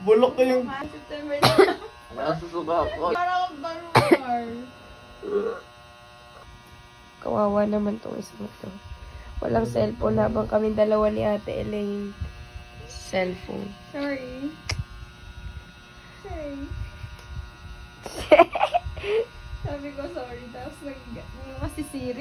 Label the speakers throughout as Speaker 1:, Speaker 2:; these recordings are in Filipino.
Speaker 1: Bulok ko yung...
Speaker 2: September na.
Speaker 3: Nasusuka ako.
Speaker 2: Parang barugar.
Speaker 4: Kawawa naman tong isang to. Walang cellphone habang kami dalawa ni Ate Elaine. Cellphone.
Speaker 2: Sorry. Sorry. Sabi ko sorry, tapos nag si Siri.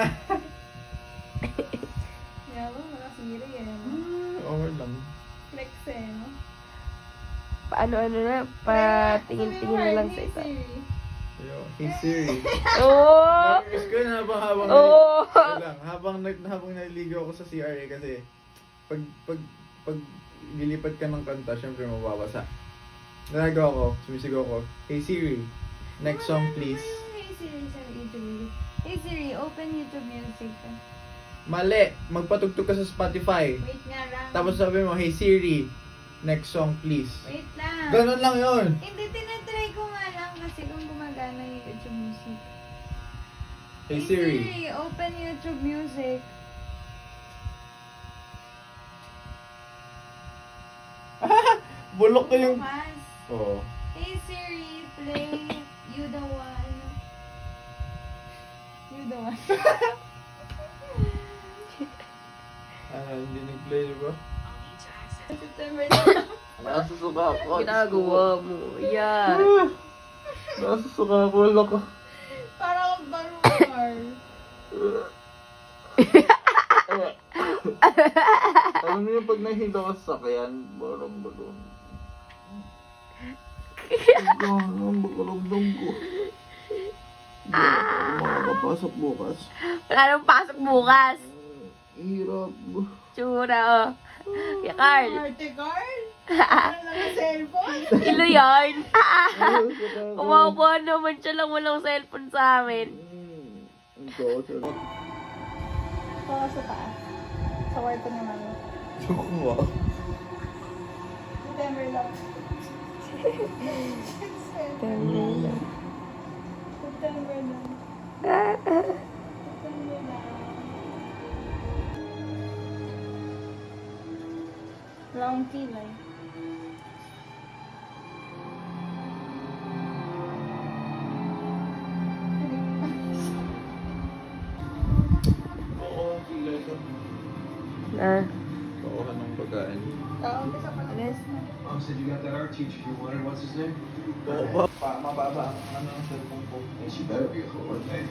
Speaker 2: Yawa, makasiri eh.
Speaker 1: Okay lang.
Speaker 2: Flex eh, no?
Speaker 4: Paano-ano na, patingin-tingin na lang sa isa.
Speaker 1: Hey Siri.
Speaker 4: Oh!
Speaker 1: Namiss ko yun habang
Speaker 4: Oo.
Speaker 1: habang naliligaw ako sa CRA kasi pag lilipat ka ng kanta, syempre mababasa. Nalagaw ko, sumisigaw ko, Hey Siri, next song please.
Speaker 2: Hey Siri sa YouTube. Hey Siri, open YouTube Music.
Speaker 1: Mali! Magpatugtog ka sa Spotify.
Speaker 2: Wait nga lang.
Speaker 1: Tapos sabi mo, Hey Siri, next song please.
Speaker 2: Wait lang.
Speaker 1: Ganon lang yun.
Speaker 2: Hindi, tinatry ko nga lang kasi kung gumagana yung YouTube Music.
Speaker 1: Hey Siri.
Speaker 2: Open YouTube Music.
Speaker 1: Bulok ko yung...
Speaker 2: Bukas.
Speaker 1: Oo.
Speaker 2: Hey Siri, play You the One. You the One.
Speaker 1: Hindi nag-play, di ba?
Speaker 2: September na.
Speaker 3: Nasusuka ako.
Speaker 4: Ginagawa mo. Yan.
Speaker 1: Nasusuka ko, loko.
Speaker 2: Parang barugar.
Speaker 1: Alam niyo pag nahinda ka sa sakyan, parang balon. Ang bakaramdam ko. Makakapasok bukas.
Speaker 4: Wala nang pasok bukas.
Speaker 1: Hirap.
Speaker 4: Tsura, oh. Kaya Carl.
Speaker 2: Arte Carl? Ano lang ang cellphone?
Speaker 4: Ilo yarn. Kumakuha naman siya lang walang cellphone sa amin.
Speaker 2: Ito sa taas. Sa kwarto naman.
Speaker 1: Kukuha.
Speaker 2: September lang. September lang. September lang. Long kilay.
Speaker 1: Oo,
Speaker 4: Ah.
Speaker 1: Pakuha ng pagkain.
Speaker 2: Tawag ka sa pag-alis na.
Speaker 5: Mom said you got that art teacher you wanted. What's his name?
Speaker 1: Mababa. Ano ang cellphone ko?
Speaker 5: And she better be a coordinator.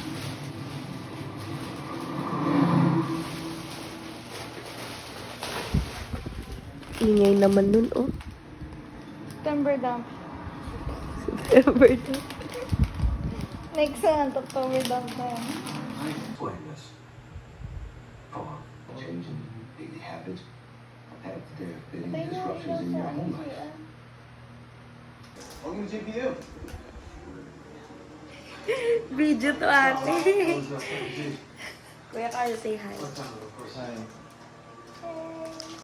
Speaker 4: Ingay naman nun, oh.
Speaker 2: September dump.
Speaker 4: September to.
Speaker 2: Next month, October dump na yan.
Speaker 5: Pointless. For changing daily habits, have there been
Speaker 2: Patay na
Speaker 5: disruptions in your home life?
Speaker 2: ah.
Speaker 5: Welcome to GPU.
Speaker 4: Video to ate. Kuya Carl, say hi.
Speaker 5: Of course I am.